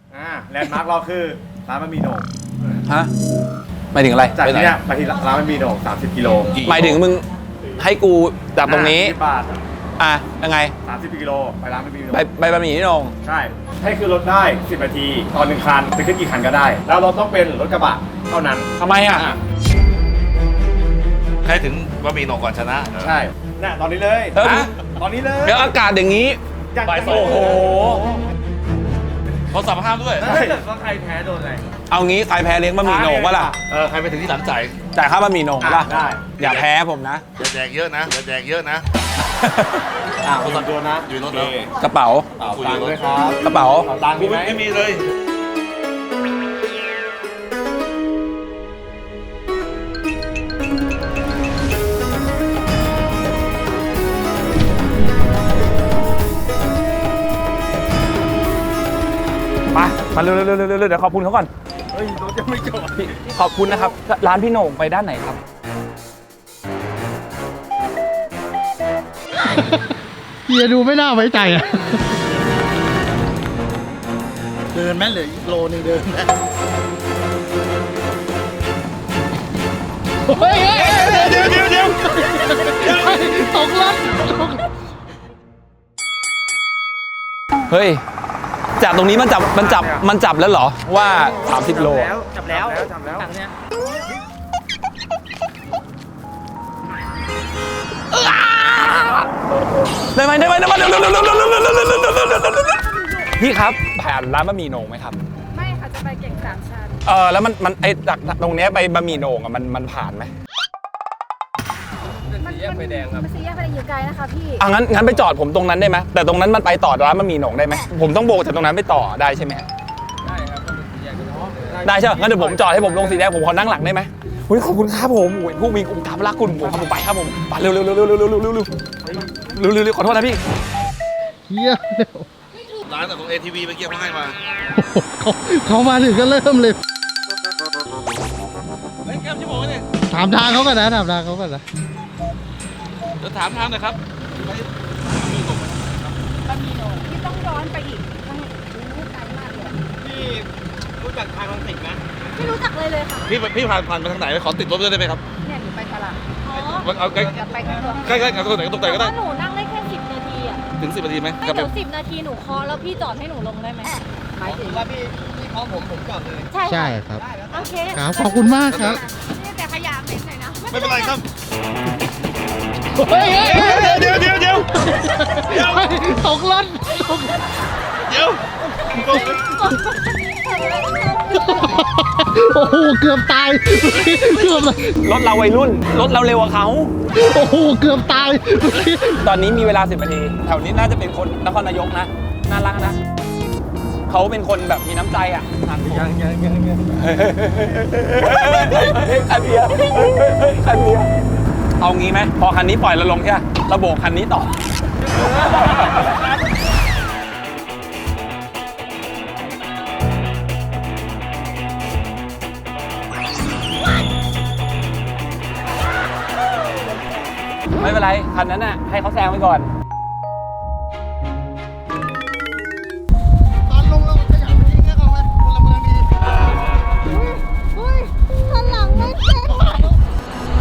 แลนด์มาร์คเราคือร้านบะหมี่โหน่งฮะหมายถึงอะไรจากที่เนี้ยไปที่ร้านบะหมี่โหน่ง30 กิโลหมายถึงมึงให้กูจากตรงนี้ 10 บาทยังไง 30 กิโลไปร้านบะหมี่โหน่งไปบะหมี่นี่นงใช่ให้ขึ้นรถได้10 นาทีตอน1 คันจะขึ้นกี่คันก็ได้ แล้วเราต้องเป็นรถกระบะเท่านั้นทำไมอ่ะใครถึงบะหมี่โหน่งก่อนชนะใช่เนี่ยตอนนี้เลยเออตอนนี้เลยเดี๋ยวอากาศอย่างนี้อย่างบ่ายนี้สองโอ้โหเขาสั่งห้ามด้วยถ้าเกิดว่าใครแพ้โดนอะไรเอางี้ใครแพ้เลี้ยงบะหมี่โหน่งวะล่ะใครไปถึงที่หลังจ่ายจ่ายค่าบะหมี่โหน่งปะล่ะได้อย่าแพ้ผมนะอย่าแดกเยอะนะอย่าแดกเยอะนะคนสั่งตัวนะอยู่รถแล้วกระเป๋าเป่าตังค์ด้วยครับกระเป๋าเป่าตังค์มีไหมไม่มีเลยมาเร็วๆๆๆเดี๋ยวขอบคุณเขาก่อนเฮ้ยรถยังไม่จบพี่ขอบคุณนะครับ ร้านพี่โหน่งไปด้านไหนครับเฮียดูไม่น่าไว้ใจอ่ะ เดินไหมเหลืออีกโลนึงเดินไหมเฮ้ยเดี๋ยวตกรถเฮ้ย จากตรงนี้มันจับแล้วเหรอว่า 30 โลจับแล้วจับแล้วได้ไหมพี่ครับผ่านร้านบะหมี่โหน่งไหมครับไม่ค่ะ จะไปเก่งสามชั้นแล้วมันไอ้จากตรงเนี้ยไปบะหมี่โหน่งอะมันผ่านไหมมันสีแยกไฟแดงอยู่ไกลนะคะพี่งั้นไปจอดผมตรงนั้นได้ไหมแต่ตรงนั้นมันไปต่อร้านบะหมี่โหน่งได้ไหมผมต้องโบกจากตรงนั้นไปต่อได้ใช่ไหมได้ใช่ไหมงั้นเดี๋ยวผมจอดให้ผมลงสีแดงผมขอนั่งหลังได้ไหมอุ้ยขอบคุณครับผมโอ้ยผู้มีอุปถัมภ์รักคุณผมครับผมไปครับผมไปเร็วขอโทษนะพี่เฮียเดี๋ยวร้านของ ATV เมื่อกี้เขาให้มาเขามาถึงก็เริ่มเลยเฮ้ยแก้มชั่วโมงนี่ถามทางเขาก่อนนะถามทางเขาก่อนนะเดี๋ยวถามทางหน่อยครับบะหมี่โหน่งพี่ต้องย้อนไปอีกต้องไกลมากเลยพี่รู้จักทางลังสิตไหมไม่รู้จักเลยค่ะพี่ผ่านไปทางไหนขอติดรถด้วยได้ไหมครับเนี่ยหนูไปตลาดอ๋อเอาใกล้จะไปกันตัวใกล้ๆกับตรงไหนก็ตรงไหนก็ได้หนูนั่งได้แค่10 นาทีอ่ะถึง10 นาทีไหมไม่กลับไปเดี๋ยว10 นาทีหนูเคาะแล้วพี่จอดให้หนูลงได้ไหมหมายถึงว่าพี่เคาะผมจอดเลยใช่ใช่ครับโอเคครับขอบคุณมากครับนี่แต่ขยะเหม็นหน่อยนะไม่เป็นไรครับเฮ้ยเดี๋ยวตกรถเดี๋ยวโอ้โหเกือบตายเกือบรถเราวัยรุ่นรถเราเร็วกว่าเขาโอ้โหเกือบตายตอนนี้มีเวลา10 นาที แถวนี้น่าจะเป็นคนนครนายกนะ น่ารักนะ เขาเป็นคนแบบมีน้ำใจอ่ะทานยังคันเบียร์คันเบียร์เอางี้ไหมพอคันนี้ปล่อยเราลงใช่ไหมเราโบกคันนี้ต่อ ไม่เป็นไร คันนั้นน่ะให้เขาแซงไปก่อนตอนลงเราขยับไปทิ้งให้เขาไหมพลเมืองดีอุ้ยข้างหลังไม่เจ็บ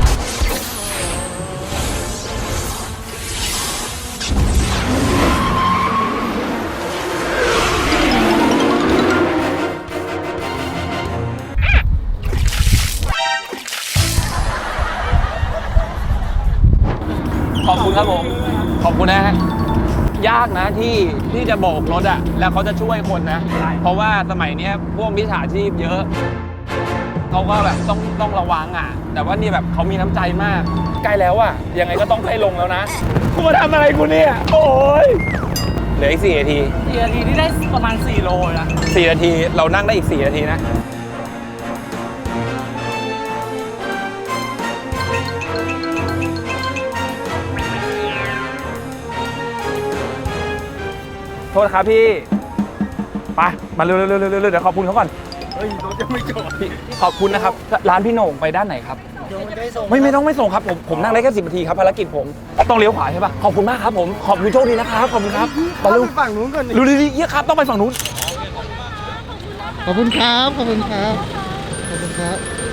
ขอบคุณครับผม ขอบคุณนะฮะ ยากนะที่จะโบกรถอะแล้วเขาจะช่วยคนนะ เพราะว่าสมัยเนี้ยพวกมิจฉาชีพเยอะ เขาก็แบบต้องระวังอะแต่ว่านี่แบบเขามีน้ำใจมาก ใกล้แล้วอะยังไงก็ต้องใกล้ลงแล้วนะกูมาทำอะไรกูเนี่ย โอ้ยเหลืออีก4 นาที 4 นาทีที่ได้ประมาณ4 โลนะ 4 นาทีเรานั่งได้อีก4 นาทีนะ โทษครับพี่ ไป มาเร็วๆๆๆเดี๋ยวขอบคุณเขาก่อนเฮ้ยรถยังไม่จบพี่ขอบคุณนะครับ ร้านพี่โหน่งไปด้านไหนครับ ไม่ต้องไม่ส่งครับ ผมนั่งได้แค่10 นาทีครับภารกิจผมต้องเลี้ยวขวาใช่ปะขอบคุณมากครับผมขอบคุณโชคดีนะครับขอบคุณครับไปเร็วฝั่งนู้นก่อนดูดีๆเยี่ยครับต้องไปฝั่งนู้นขอบคุณครับขอบคุณครับขอบคุณครับ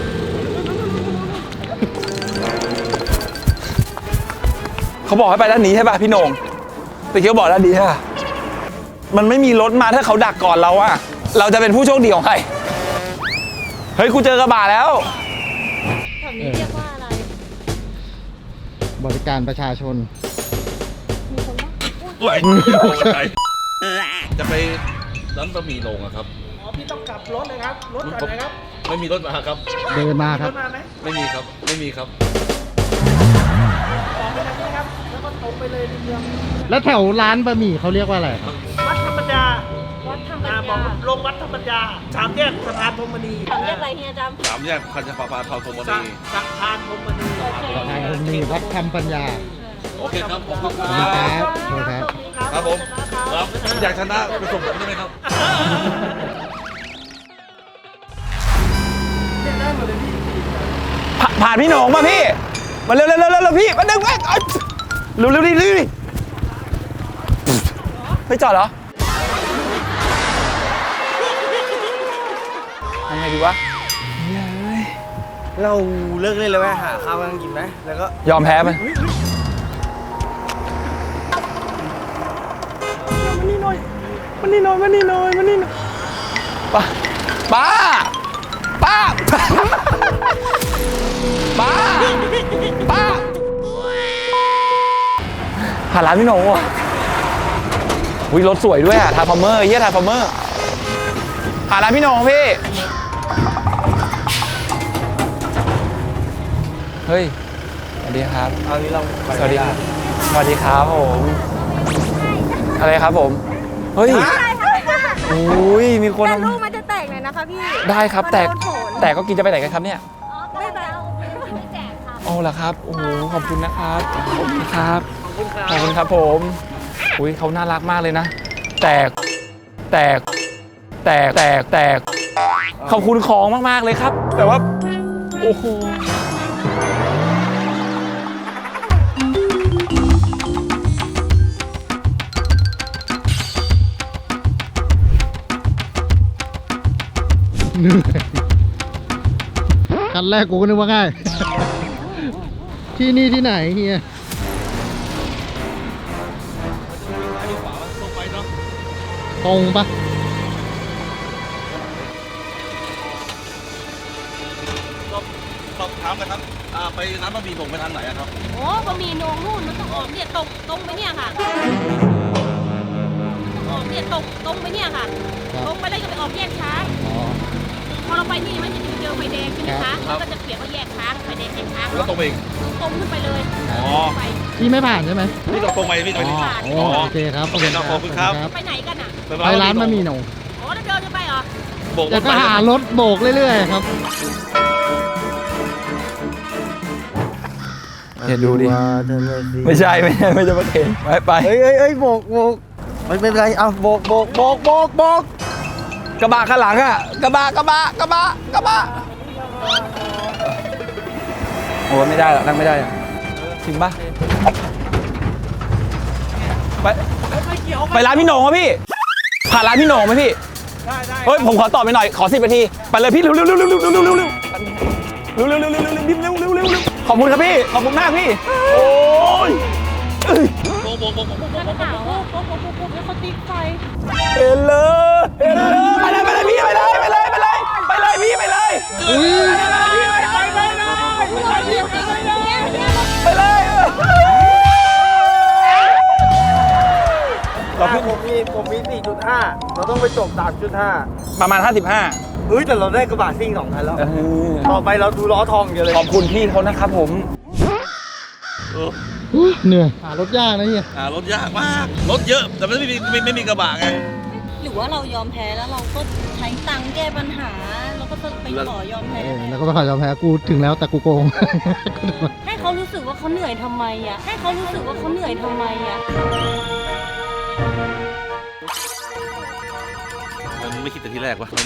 เขาบอกให้ไปด้านนี้ใช่ป่ะพี่โหน่งแต่เขาบอกด้านนี้ใช่ป่ะมันไม่มีรถมาถ้าเขาดักก่อนเราอะเราจะเป็นผู้โชคดีของใครเฮ้ยกูเจอกระบะแล้วแถวนี้เรียกว่าอะไรบริการประชาชนมีคนบ้างไหวจะไปร้านบะหมี่โหน่งอะครับอ๋อ พี่ต้องกลับรถเลยครับ รถจอดไหนครับไม่มีรถมาครับเดินมาครับรถมาไหมไม่มีครับ ไม่มีครับออกไปทางนี้ครับ แล้วก็ตรงไปเลยในเมืองแล้วแถวร้านบะหมี่เขาเรียกว่าอะไรครับวัดธรรมดาวัดธรรมบอกดาลงวัดธรรมดาสามแยกสะพานพรหมณีถามเรียกอะไรเฮียจำ 3 แยกคันธปาเทาธงมสะณีสะพานพรหมณีโอเคทางคนมีวัดธรรมปัญญาโอเคครับขอบคุณขอบคคุณครัรับบขอบคุณครับครับผมครับอยากชนะไปส่งผมได้ไหมครับผ่านพี่โหน่งป่ะพี่มาเร็วพี่มาดึงไปเร็วดิไม่จอดเหรอยังไงดีวะเราเลิกเล่นเลยไหมหาข้าวกันกินไหมแล้วก็ยอมแพ้ไหมมันนี่หน่อยป้าป้าป้าหาร้านพี่โหน่งว่ะวิรถสวยด้วยอะทาร์ฟอร์เมอร์เยี่ยทาร์ฟอร์เมอร์หาร้านพี่โหน่งพี่เฮ้ยสวัสดีครับเอานี้เราสวัสดีครับสวัสดีครับผมอะไรครับผมเฮ้ยโอ้ยมีคนแต่ลูกมันจะแตกหน่อยนะคะพี่ได้ครับมันแตกโดนฝนแต่ก็กินจะไปไหนกันครับเนี่ยไม่ไปเอาไม่แจกค่ะโอ้เหรอครับโอ้โหขอบคุณนะครับขอบคุณครับขอบคุณครับผมอุ้ยเขาน่ารักมากเลยนะแตกขอบคุณของมากๆเลยครับ แต่ว่าโอ้โหเหนื่อยคันแรกกูก็นึกว่าง่าย ที่นี่ที่ไหนเฮีย ตรงปะสอบถามนะครับไปร้านบะหมี่โหน่งไปทางไหนอะครับโอ้บะหมี่โหนงนู่นมันต้องออกเนี่ยตรงไปเนี่ยค่ะออกเนี่ยตรงไปเนี่ยค่ะ ตรงไปแล้วจะไปออกแยกช้างอ๋อพอเราไปนี่มันจะเจอไฟแดงใช่ไหมครัคะบมันก็จะเขียนว่าแยกช้างไฟแดงแยกช้างแล้วตรงไปอีกตรงขึ้นไปเลยอ๋อไปพี่ไม่ผ่านใช่ไหมพี่ตรงไปพี่ตรงไปอ๋อโอเคครับโอเคครับขอบคุณครับไปไหนกันอ่ะไปร้านบะหมี่โหน่งอ๋อแล้วเดินจะไปเหรอโบกรเดี๋ยวถก็ไปหารถโบกเรื่อยๆครับเดี๋ยวดูดิไม่ใช่ไม่ใช่ประเคนไปเฮ้ยโบกไม่เป็นไรเอาโบกกระบะข้างหลังอะกระบะโอ้ไม่ได้หรอกนั่งไม่ได้อะจริงปะไปร้านพี่โหน่งวะพี่ผ่านร้านพี่โหน่งไหมพี่เฮ้ยผมขอตอบไปหน่อยขอ10 นาทีไปเลยพี่เร็วขอบคุณครับพี่ขอบคุณมากพี่โอ้ยโบกหนาวปุ๊บแล้วเขาติ๊กไฟเห็นเลยไปเลยพี่ไปเลยพี่ไปเลยอุ้ยไปเลยเราขึ้นผมมี 4.5 เราต้องไปจบ 3.5 ประมาณ 55 แต่เราได้กระบะซิ่ง2คันแล้ว ต่อไปเราดูล้อทองเดียวเลยขอบคุณพี่เขานะครับผมเหนื่อยหารถยากนะเฮียรถยากมาก รถเยอะ แต่ไม่มีกระบะไงหรือว่าเรายอมแพ้แล้วเราก็ใช้ตังค์แก้ปัญหาแล้วก็ไปขอยอมแพ้แล้วก็ไปขอยอมแพ้กูถึงแล้วแต่กูโกงให้เขารู้สึกว่าเขาเหนื่อยทำไมอ่ะให้เขารู้สึกว่าเขาเหนื่อยทำไมอ่ะมันไม่คิดแต่ที่แรกวะ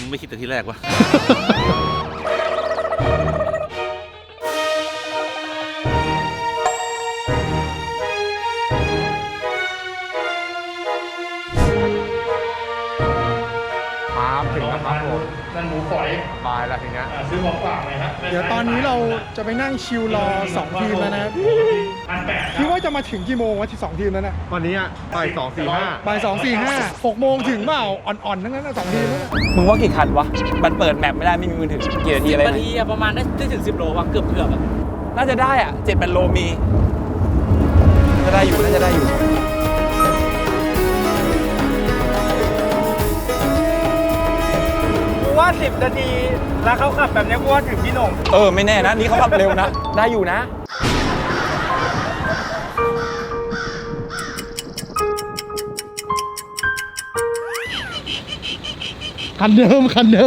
อครับถึงแล้วครับผมนั่นหมูฝอยบายแล้วทีเนี้ยซื้อของฝากเลยฮะเดี๋ยวตอนนี้เราจะไปนั่งชิลรอ2 ทีมแล้วนะครับคิดว่าจะมาถึงกี่โมงวะที่2 ทีมนั้นน่ะวันนี้บ่าย2:45 บ่าย2 4 5 6 โมงถึงเปล่าอ่อนๆทั้งนั้นนะ2 ทีมนั้นน่ะมึงว่ากี่คันวะ มันเปิดแมปไม่ได้ไม่มีมือถือกี่นาทีอะไรนาทีอะประมาณได้ถึง10 โลว่ะเกือบอะน่าจะได้อ่ะ7-8 โลมีจะได้อยู่น่าจะได้อยู่กูว่า10 นาทีแล้วเขาขับแบบนี้กูว่าถึงพี่หน่งไม่แน่นะ นี่เขาขับเร็วนะ ได้อยู่นะคันเดิมได้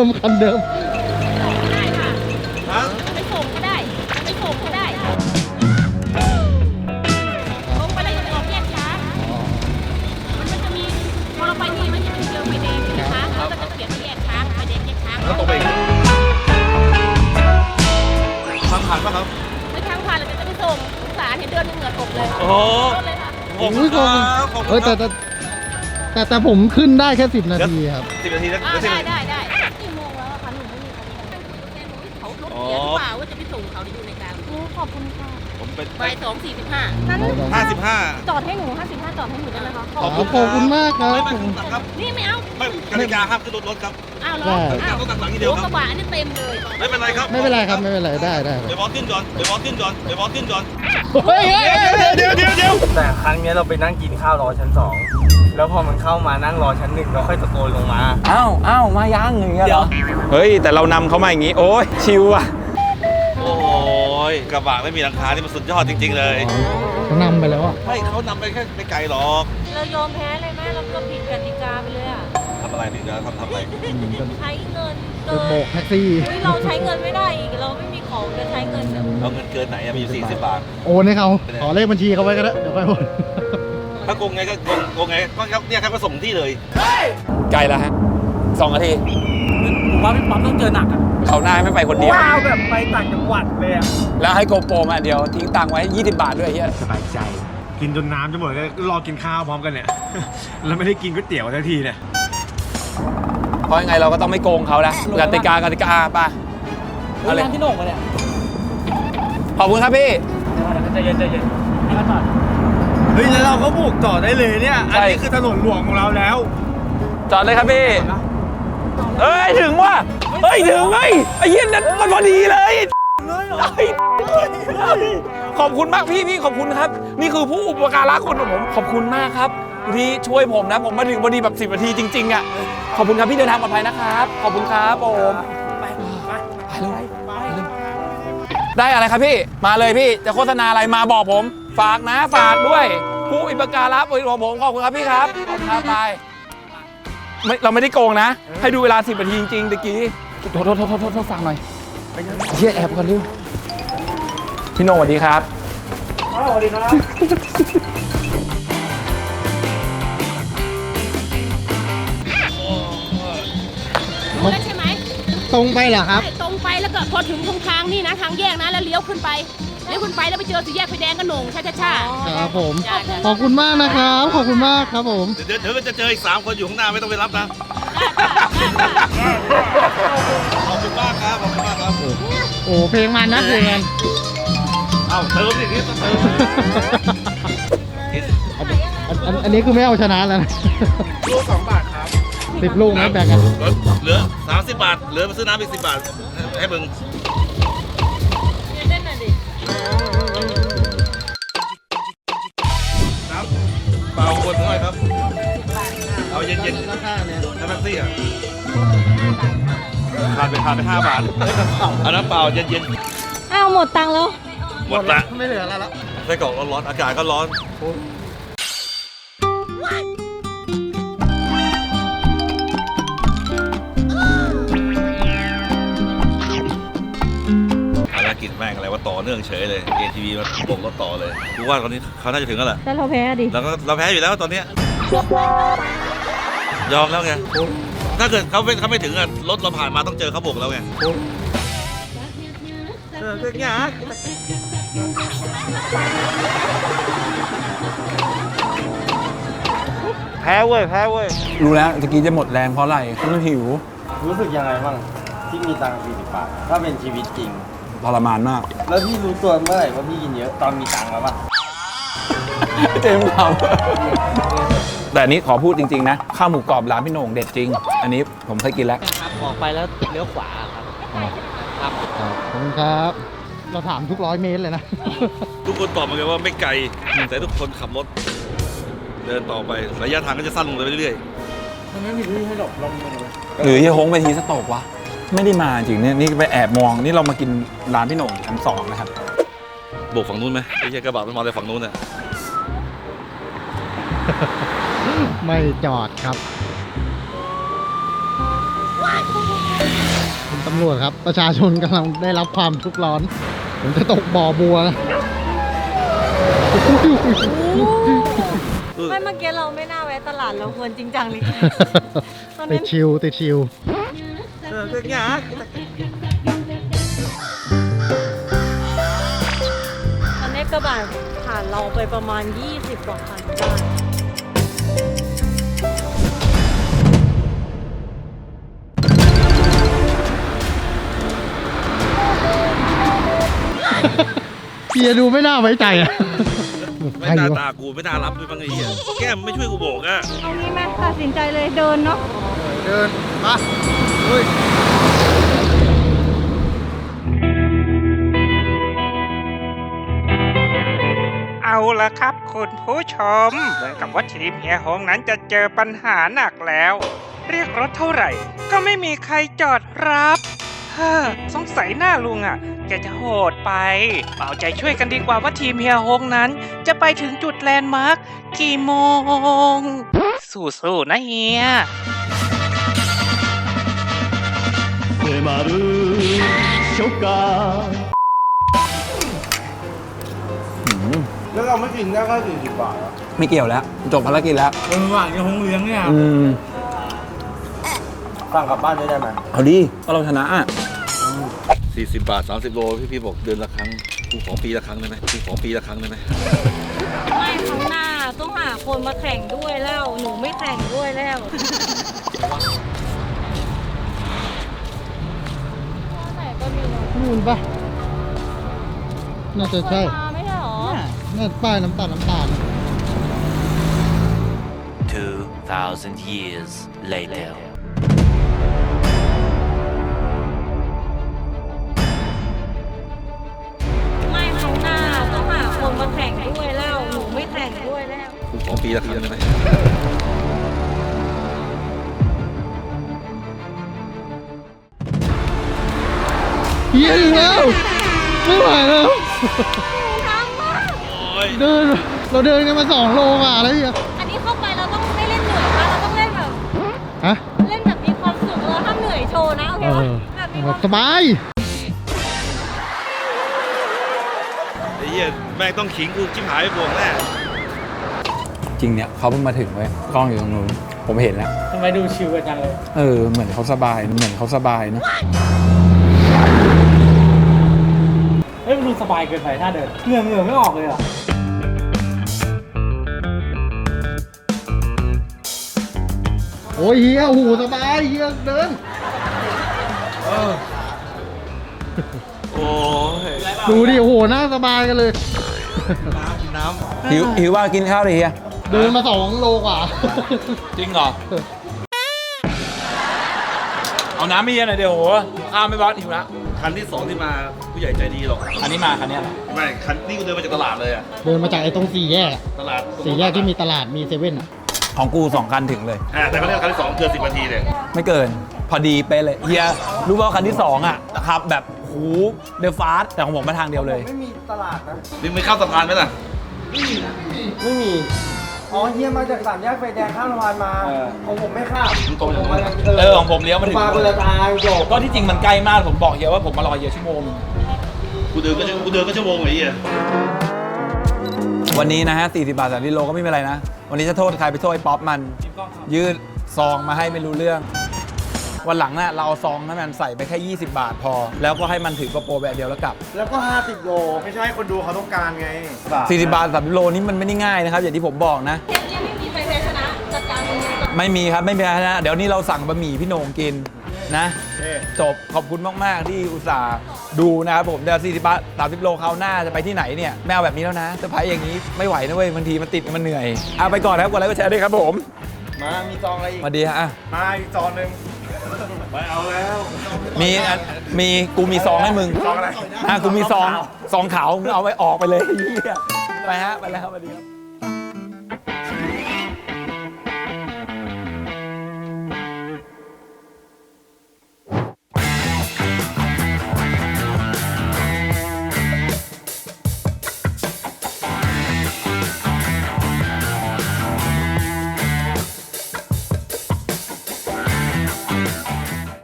ค่ะไปส่งก็ได้ไปส่งก็ได้ลงไปแล้วอย่าไปออกแยกช้ามันจะมีพอเราไปนี่มันจะมีเจอไฟแดงใช่ไหมคะแล้วก็จะเปลี่ยนไปแยกช้าไฟแดงแยกช้าแล้วตรงไปทางผ่านป่ะครับไม่ทางผ่านเราจะไปส่งสงสารเห็นเดินเหงื่อตกเลยโอ้รถเลยค่ะขอบคุณครับขอบคุณครับแต่ผมขึ้นได้แค่10 นาทีครับ 10 นาทีแล้วได้กี่โมงแล้วอะคะหนูไม่มีใครเขารถเสียหรือเปล่าว่าจะไปส่งเขาที่อยู่ในกลางขอบคุณค่ะผมเป็นบ่าย2:45นั้น 55 จอดให้หนู55จอดให้หนูได้ไหมคะขอบคุณมากครับไม่ขึ้นตัดครับนี่ไม่เอาไม่กติกาห้ามขึ้นรถครับอ้าวเหรอได้อ้าวต้องตัดหลังทีเดียวโอ้คกรับระบะอันนี้เต็มเลยไม่เป็นไรครับไม่เป็นไรครับไม่เป็นไรได้เดี๋ยวบอสขึ้นก่อนเดี๋ยวบอสขึ้นก่อนเดี๋ยวบอสขึ้นก่อนเฮ้ยเดี๋ยวแต่ครั้งนี้เราไปนั่งกินข้าวรอชั้น 2 แล้วพอมันเข้ามานั่งรอชั้น 1เราค่อยตะโกนลงมาอ้าวมายังอย่างเงี้ยเหรอ เฮ้ย แต่เรานำเขามาอย่างงี้ โอ้ยชิวอ่ะโอ้ยกระบะไม่มีหลังคานี่มันสุดยอดจริงๆเลยเขานำไปแล้วอ่ะไม่เขานำไปแค่ไม่ไกลหรอกเรายอมแพ้เลยแม่เราก็ผิดกติกาไปเลยอ่ะทำอะไรดีนะทำอะไรใช้เงินไปเกินโบกแท็กซี่เราใช้เงินไม่ได้อีกเราไม่มีของจะใช้เงินแบบเอาเงินเกินไหนอะมีอยู่40 บาทโอนให้เขาขอเลขบัญชีเขาไว้ก็ได้เดี๋ยวไปโอนถ้าโกงไงก็โกงไงก็เนี่ยครับก็ส่งที่เลยไกลแล้วฮะ2 นาทีผมว่าพี่ป๊อปต้องเจอหนักอะเขาหน้าไม่ไปคนเดียวว้าวแบบไปต่างจังหวัดเลยอะแล้วให้โกโปรมาเดียวทิ้งตังค์ไว้20 บาทด้วยเฮียสบายใจ กินจนน้ำจะหมดก็รอกินข้าวพร้อมกันเนี่ย แล้วไม่ได้กินก๋วยเตี๋ยวทันทีเนี่ยเพราะยังไงเราก็ต้องไม่โกงเขานะกติกาไปเอาเลยร้านพี่หน่งมาเนี่ยขอบคุณครับพี่ใจเย็นให้มาจอดเฮ้ยแล้วเราก็บุกต่อได้เลยเนี่ย อันนี้ใช่คือถนนหลวงของเราแล้วจอดเลยครับพี่เอ้ยถึงว่ะเฮ้ยถึงไงไอ้เหี้ยนั้นมันพอดีเลยขอบคุณมากพี่ขอบคุณครับ นี่คือผู้อุปการะคนของผมขอบคุณมากครับที่ช่วยผมนะผมมาถึงพอดีแบบ10 นาทีจริงๆอ่ะขอบคุณครับพี่เดินทางปลอดภัยนะครับขอบคุณครับผมไปเลยได้อะไรครับพี่มาเลยพี่จะโฆษณาอะไรมาบอกผมฝากนะฝากด้วยผู้อุปการะของผมขอบคุณครับพี่ครับขอบคุณครับไปเราไม่ได้โกงนะ ให้ดูเวลา10 นาทีจริงๆตะกี้โทษฟังหน่อยเฮียแอบก่อนดิพี่โนสวัสดีครับสวัสดีครับรู้แล้วใช่ไหมตรงไปเหรอครับใช่ตรงไปแล้วก็พอถึงตรงทางนี่นะทางแยกนะแล้วเลี้ยวขึ้นไปแล้วไปเจอสี่แยกไฟแดงก็หน่งช้าครับผมได้ขอบคุณมากนะครับ ขอบคุณมากครับผมเดี๋ยวจะเจออีก3 คนอยู่ข้างหน้าไม่ต้องไปรับนะ ขอบคุณมากครับขอบคุณมากครับโอ้เพลงมันนะเพลงมันเอ้าเติมสินี่ต้องเติมอันนี้คือไม่เอาชนะแล้วนะลูก2 บาทครับ 10 ลูกนะแบ่งกันเหลือ30 บาทเหลือไปซื้อน้ำอีก10 บาทให้มึงเล่นหน่อยดิน้ำเปล่าขวดหน่อยครับ เอาเย็นๆราคาเนี่ยน้ำแป๊บซี่อ่ะขาดไป5 บาทเอาน้ำเปล่าเย็นอ้าวหมดตังค์แล้วๆหมดละไม่เหลือแล้วละไส้กรอกร้อนๆอากาศก็ร้อนภารกิจแม่งอะไรว่าต่อเนื่องเฉยเลย ATV มันบกรถต่อเลยกูว่าตอนนี้เขาน่าจะถึงแล้วแหละแต่เราแพ้ดิแล้วก็เราแพ้อยู่แล้วตอนเนี้ยยอมแล้วไง ถ้าเกิดเขาไม่ถึงอะรถเราผ่านมาต้องเจอเขาบกแล้วไงแพ้เว้ยรู้แล้วตะกี้จะหมดแรงเพราะอะไรมันหิวรู้สึกยังไงบ้างที่มีตังค์40 บาทถ้าเป็นชีวิตจริงทรมานมากแล้วพี่รู้ตัวเมื่อไหร่ว่าพี่กินเยอะตอนมีตังค์แล้วป่ะเต็มคำแต่อันนี้ขอพูดจริงๆนะข้าวหมูกรอบร้านพี่โหน่งเด็ดจริง อันนี้ผมเคยกินแล้วครับออกไปแล้วเลี้ยวขวาครับขอบคุณครับ เราถามทุก100 เมตรเลยนะทุกคนตอบมาเลยว่าไม่ไกลแต่ทุกคนขับรถ เดินต่อไประยะทางก็จะสั้นลงไปเรื่อยหรือเฮียฮงไปทีสโตกวะ ไม่ได้มาจริงเนี่ยนี่ไปแอบมองนี่เรามากินร้านพี่โหน่งชั้น2นะครับๆโบกฝั่งนู้นไหมไอ้เหี้ยกระบะมันมาเลยฝั่งนู้นน่ะไม่จอดครับคุณตำรวจครับ ประชาชนกำลังได้รับความทุกข์ร้อน ผมจะตกบ่อบัวนะไม่เมื่อกี้เราไม่น่าแวะตลาดเราควรจริงจังเลยตอนตินั้ดนชิวติดชิวตอนนี้กระบะผ่านเราไปประมาณ 20 กว่าคันได้เฮียดูไม่น่าไว้ใจอะไม่น่าตากูไม่น่ารับด้วยบ้างไอ้เหี้ยแก้มไม่ช่วยกูโบกอ่ะเอางี้ไหมตัดสินใจเลยเดินเนาะเดินมาเฮ้ยเอาละครับคุณผู้ชมเหมือนกับว่าทีมเฮียฮงนั้นจะเจอปัญหาหนักแล้ว เรียกรถเท่าไหร่ ก็ไม่มีใครจอดรับเฮ้อสงสัยหน้าลุงอ่ะแกจะโหดไปเอาใจช่วยกันดีกว่าว่าทีมเฮียฮงนั้น จะไปถึงจุดแลนด์มาร์คกี่โมง สู้ๆนะเฮียแล้วเราไม่กินได้แค่40 บาทอะไม่เกี่ยวแล้ว จบภารกิจแล้วหวานกับหงเลี้ยงเนี่ย สั่งกลับบ้านได้ไหมเอาดิก็เราชนะอ่ะ 40 บาท 30 โลพี่บอกเดือนละครั้งกูขอปีละครั้งได้ไหมกูขอปีละครั้งได้ไหมไม่ครั้งหน้าต้องหาคนมาแข่งด้วยแล้ว หนูไม่แข่งด้วยแล้ว แต่ก็มีเนอะนู่นปะน่าจะใช่เคยมาไม่ใช่หรอน่าป้ายน้ำตาล 2,000 years later ไม่ครั้งหน้าต้องหาคนมาแข่งด้วยแล้ว หนูไม่แข่งด้วยแล้วกูขอปีละครั้งได้ไหมเฮียอีกแล้ว ไม่ไหวแล้วโอ้ยเดิน เราเดินกันมา2 โลกว่าแล้วเฮียอันนี้เข้าไปเราต้องไม่เล่นเหนื่อยนะเราต้องเล่นแบบฮะเล่นแบบมีความสุขเราห้ามเหนื่อยโชว์นะโอเคเอปะอแบบมีความสบายไอ้เหี้ยแม่งต้องขิงกูจิ้มหายไปบวงแน่จริงเนี่ยเขาเพิ่งมาถึงเว้ยกล้องอยู่ตรงนู้นผมเห็นแล้วทำไมดูชิวกันจังเลยเหมือนเขาสบายเนอะเฮ้ยมันดูสบายเกินไปถ้าเดินเหงื่อไม่ออกเลยอ่ะโอ้ยเฮียโอ้โหสบายเฮียเดินโอ้ยดูดิ โอ้โหน่าสบายกันเลยหิวว่ากินข้าวเลยเฮียเดินมา2 โลกว่าจริงเหรอ เอาน้ำไม่เย็นหน่อยเดี๋ยวโหข้าวไม่บอสหิวละคันที่ 2 ที่มาผู้ใหญ่ใจดีหรอกอันนี้มาคันเนี้ยเหรอไม่คันนี้กูเดินมาจากตลาดเลยอะเดินมาจากไอ้ตรง4 แยกอะตลาด 4 แยกที่มีตลาดมีเซเว่นอะของกู2 คันถึงเลยแต่เขาเรียกคันที่ 2 เกิน 10 นาทีเลยไม่เกิน พอดีเป๊ะเลยเฮียรู้ป่าวคันที่ 2 อ่ะขับแบบหูเดอะฟาสแต่ของผมมาทางเดียวเลยไม่มีตลาดนะนี่ไม่ข้ามสะพานไหมล่ะไม่มี อ๋อเฮียมาจาก3 แยกไฟแดงข้ามสะพานมา ของผมไม่ข้ามมึงตรงอย่างมานั้นของผมเลี้ยวมาถึงมาคนละทางจบก็ที่จริงมันใกล้มากผมบอกเฮียว่าผมมารอเฮียชั่วโมงนึงกูเดินก็ชั่วโมงไอ้เหี้ยวันนี้นะฮะ40 บาท30 โลก็ไม่เป็นไรนะ วันนี้จะโทษใครไปโทษไอ้ป๊อปมัน ยืดซองมาให้ไม่รู้เรื่อง วันหลังน่ะเราเอาซองให้มันใส่ไปแค่ 20 บาทพอ แล้วก็ให้มันถือกระโปรงแบบเดียวแล้วกลับแล้วก็50 โลไม่ใช่คนดูเขาต้องการไง 40 บาท30 โลนี่มันไม่ได้ง่ายนะครับ อย่างที่ผมบอกนะเทปนี้ไม่มีใครแพ้ชนะจัดการไม่มีครับไม่มีนะ เดี๋ยวนี้เราสั่งบะหมี่พี่โหน่งกินนะ จบขอบคุณมาก ๆ ที่อุตส่าห์ดูนะครับผมเดี๋ยว40 บาท 30 โลคราวหน้าจะไปที่ไหนเนี่ยแมวแบบนี้แล้วนะเซอร์ไพรส์อย่างนี้ไม่ไหวนะเว้ยบางทีมันติดมันเหนื่อยเอาไปก่อนนะครับกดไลค์กดแชร์ด้วยครับผมมามีซองอะไรอีกสวัสดีฮะมาอีกซองหนึ่งไม่เอาแล้วมีกูมีซองให้มึงซองอะไรกูมีซองขาวมึงเอาไว้ออกไปเลยเหี้ยไปฮะไปแล้วสวัสดีครับ